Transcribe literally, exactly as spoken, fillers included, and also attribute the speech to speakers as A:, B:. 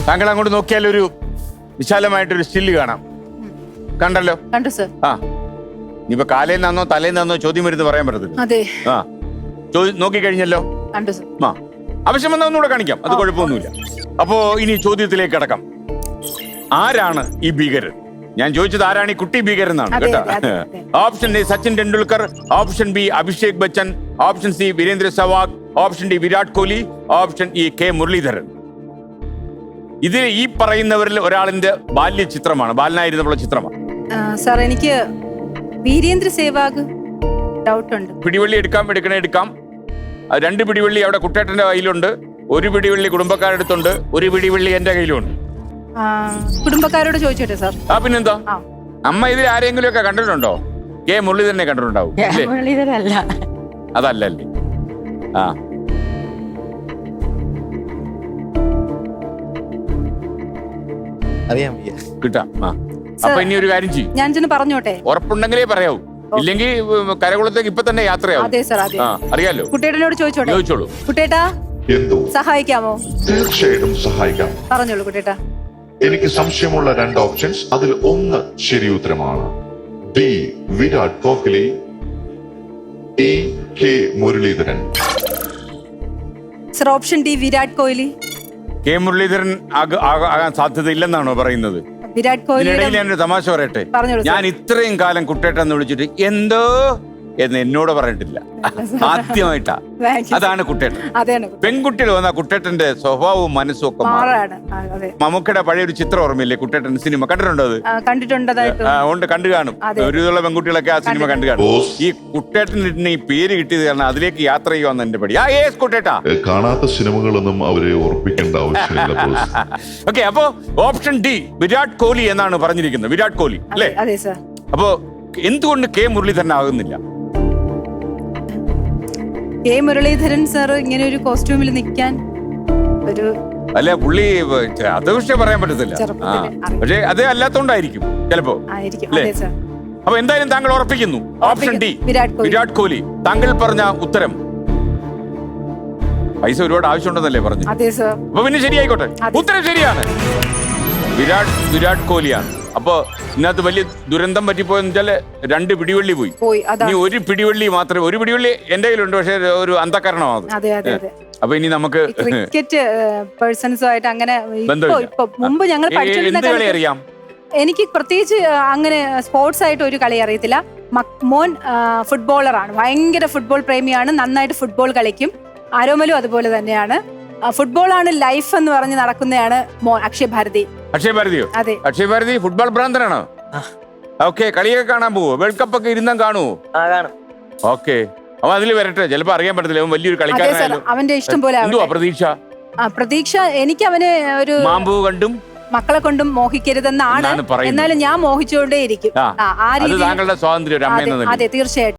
A: താങ്കൾ അങ്ങോട്ട് നോക്കിയാൽ ഒരു വിശാലമായിട്ടൊരു സ്റ്റില്ല് കാണാം. കണ്ടല്ലോ?
B: കണ്ടു സർ.
A: ആ ഇനിയിപ്പോ കാലേന്ന് നിന്നോ തലേന്ന് നിന്നോ ചോദ്യം വരുന്നത് പറയാൻ പറ്റത്തില്ല.
B: അതെ.
A: ആ നോക്കിക്കഴിഞ്ഞല്ലോ.
B: കണ്ടു സർ.
A: ആ ആവശ്യം വന്നാൽ ഒന്നുകൂടെ കാണിക്കാം, അത് കുഴപ്പമൊന്നുമില്ല. അപ്പോ ഇനി ചോദ്യത്തിലേക്ക് കടക്കാം. ആരാണ് ഈ ഭീകരൻ? ഞാൻ ചോദിച്ചത് ആരാണ് ഈ കുട്ടി ഭീകരൻ എന്നാണ് കേട്ടോ. Option A Sachin Tendulkar, option B Abhishek Bachchan, option C Virender Sehwag, option D Virat Kohli, option E K Muralitharan. ഇത് ഈ പറയുന്നവരിൽ ഒരാളിന്റെ ബാല്യ ചിത്രമാണ്, ബാലനായിരുന്നുള്ള ചിത്രമാണ്.
B: സാർ എനിക്ക് വീരേന്ദ്ര സേവാഗ് ഡൗട്ട് ഉണ്ട്.
A: പിടിവള്ളി എടുക്കാം, എടുക്കണേ എടുക്കാം. രണ്ട് പിടിവള്ളി അവിടെ കുട്ടേട്ടന്റെ കയ്യിലുണ്ട്, ഒരു പിടിവള്ളി കുടുംബക്കാരുടെ അടുത്തുണ്ട്, ഒരു പിടിവള്ളി എന്റെ കയ്യിലുണ്ട്.
B: കുടുംബക്കാരോട് ചോദിച്ചോട്ടെ സാർ.
A: ആ പിന്നെന്താ, അമ്മ ഇതിൽ ആരെങ്കിലും ഒക്കെ കണ്ടിട്ടുണ്ടോ? കെ മുരളീധരനെ കണ്ടിട്ടുണ്ടാവും. അതല്ലേ? ആ
C: അറിയാം
A: കിട്ടാം. ആ അപ്പൊ ഇനി ഒരു കാര്യം ചെയ്യും,
B: ഞാൻ ചെന്ന് പറഞ്ഞോട്ടെ.
A: ഉറപ്പുണ്ടെങ്കിലേ പറയാവൂ, ഇല്ലെങ്കിൽ കരകുളത്തേക്ക് ഇപ്പൊ തന്നെ യാത്രയാവും.
B: അതെ സാർ, അതെ.
A: ആ അറിയാലോ.
B: കുട്ടേട്ടനോട് ചോദിച്ചോട്ടെ.
A: ചോദിച്ചോളൂ.
B: കുട്ടേട്ടാ
D: എന്തോ
B: സഹായിക്കാമോ?
D: തീർച്ചയായിട്ടും സഹായിക്കാം.
B: പറഞ്ഞോളൂ കുട്ടേട്ടാ.
D: എനിക്ക് സംശയമുള്ള രണ്ട് ഓപ്ഷൻസ്, അതിൽ ഒന്ന് ശരി ഉത്തരമാണ്. B Virat Kohli, E K Muralitharan.
B: Sir option D Virat Kohli.
A: K Muralitharan ആകാൻ സാധ്യത ഇല്ലെന്നാണോ പറയുന്നത്?
B: വിരാട് കോഹ്ലി.
A: ഇതിനിടയിൽ ഞാനൊരു തമാശ പറയട്ടെ.
B: പറഞ്ഞോളൂ.
A: ഞാൻ ഇത്രയും കാലം കുട്ടേട്ടെന്ന് വിളിച്ചിട്ട് എന്തോ എന്ന് എന്നോട് പറഞ്ഞിട്ടില്ല, ആദ്യമായിട്ടാ. അതാണ് കുട്ടേട്ടൻ. പെൺകുട്ടികൾ വന്ന കുട്ടേട്ടന്റെ സ്വഭാവവും മനസ്സും ഒക്കെ മമ്മൂക്കയുടെ പഴയൊരു ചിത്രം ഓർമ്മയില്ലേ, കുട്ടേട്ടൻ സിനിമ കണ്ടിട്ടുണ്ടോ? അത്
B: കണ്ടിട്ടുണ്ട്,
A: ഉണ്ട്, കണ്ടു കാണും. ഒരുവിധമുള്ള പെൺകുട്ടികളൊക്കെ ആ സിനിമ കണ്ടു കാണും. ഈ കുട്ടേട്ടന് ഈ പേര് കിട്ടിയത് കാരണം അതിലേക്ക് യാത്ര ചെയ്യുവാന്ന് എന്റെ പടി. ആ ഏസ് കുട്ടേട്ടാ.
D: കാണാത്ത സിനിമകളൊന്നും അവരെ ഓർപ്പിക്കേണ്ട ആവശ്യമില്ല.
A: ഓക്കെ, അപ്പോ ഓപ്ഷൻ ഡി വിരാട് കോഹ്ലി എന്നാണ് പറഞ്ഞിരിക്കുന്നത്. വിരാട് കോഹ്ലി അല്ലേ? അപ്പോ എന്തുകൊണ്ട് കെ മുരളീധരൻ ആകുന്നില്ല?
B: കെ മുരളീധരൻ സാർ ഇങ്ങനെ ഒരു കോസ്റ്റ്യൂമിൽ നിൽക്കാൻ ഒരു
A: അല്ല, പുള്ളി അത് പക്ഷേ പറയാൻ പറ്റത്തില്ല. പക്ഷേ അതേ അല്ലാത്തോണ്ടായിരിക്കും ചിലപ്പോ. അപ്പൊ എന്തായാലും താങ്കൾ ഉറപ്പിക്കുന്നു ഓപ്ഷൻ ഡി വിരാട് കോഹ്ലി. താങ്കൾ പറഞ്ഞ ഉത്തരം പൈസ ഒരുപാട് ആവശ്യമുണ്ടെന്നല്ലേ പറഞ്ഞു? അപ്പൊ പിന്നെ ശരിയായിക്കോട്ടെ, ഉത്തരം ശരിയാണ്. വിരാട് വിരാട് കോഹ്ലിയാണ്. അപ്പൊ ഇതിനകത്ത് വലിയ ദുരന്തം പറ്റിപ്പോയെന്ന് വെച്ചാല് രണ്ട് പിടിവള്ളി പോയി. ഇനി ഒരു പിടിവള്ളി മാത്രമേ, ഒരു പിടിവള്ളി എന്റെ കയ്യിലുണ്ട്, പക്ഷെ ഒരു അന്ധകരണമാണ്. അപ്പൊ ഇനി നമുക്ക്
B: ക്രിക്കറ്റ് പേഴ്സൺസുമായിട്ട് അങ്ങനെ മുമ്പ് ഞങ്ങൾ പഠിച്ചിരുന്ന
A: അറിയാം.
B: എനിക്ക് പ്രത്യേകിച്ച് അങ്ങനെ സ്പോർട്സ് ആയിട്ട് ഒരു കളി അറിയത്തില്ല. മോൻ ഫുട്ബോളറാണ്, ഭയങ്കര ഫുട്ബോൾ പ്രേമിയാണ്, നന്നായിട്ട് ഫുട്ബോൾ കളിക്കും. ആരോമലും അതുപോലെ തന്നെയാണ്. ഫുട്ബോളാണ് ലൈഫ് എന്ന് പറഞ്ഞ് നടക്കുന്നതാണ് മോൻ അക്ഷയ് ഭാരതി.
A: അക്ഷയ് ഭാരതിയോ?
B: അതെ.
A: അക്ഷയ് ഭാരതി ഫുട്ബോൾ ഭ്രാന്തനാണോ? ഓക്കെ, കളിയൊക്കെ കാണാൻ പോവോ? വേൾഡ് കപ്പ് ഒക്കെ ഇരുന്നാ കാണുവോ? ഓക്കെ, അവൻ അതിൽ വരട്ടെ, ചിലപ്പോ അറിയാൻ പറ്റത്തില്ല, അവൻ വലിയൊരു കളിക്കാരനായാലോ.
B: അവന്റെ ഇഷ്ടം പോലെ.
A: എന്തുവാ പ്രതീക്ഷ?
B: പ്രതീക്ഷ എനിക്ക് അവനെ ഒരു
A: മാമ്പൂ കണ്ടും
B: മക്കളെ കൊണ്ടും മോഹിക്കരുതെന്നാണ്. എന്നാലും ഞാൻ മോഹിച്ചുകൊണ്ടേ ഇരിക്കും.
A: താങ്കളുടെ സ്വാതന്ത്ര്യം.
B: അതെ, തീർച്ചയായിട്ടും.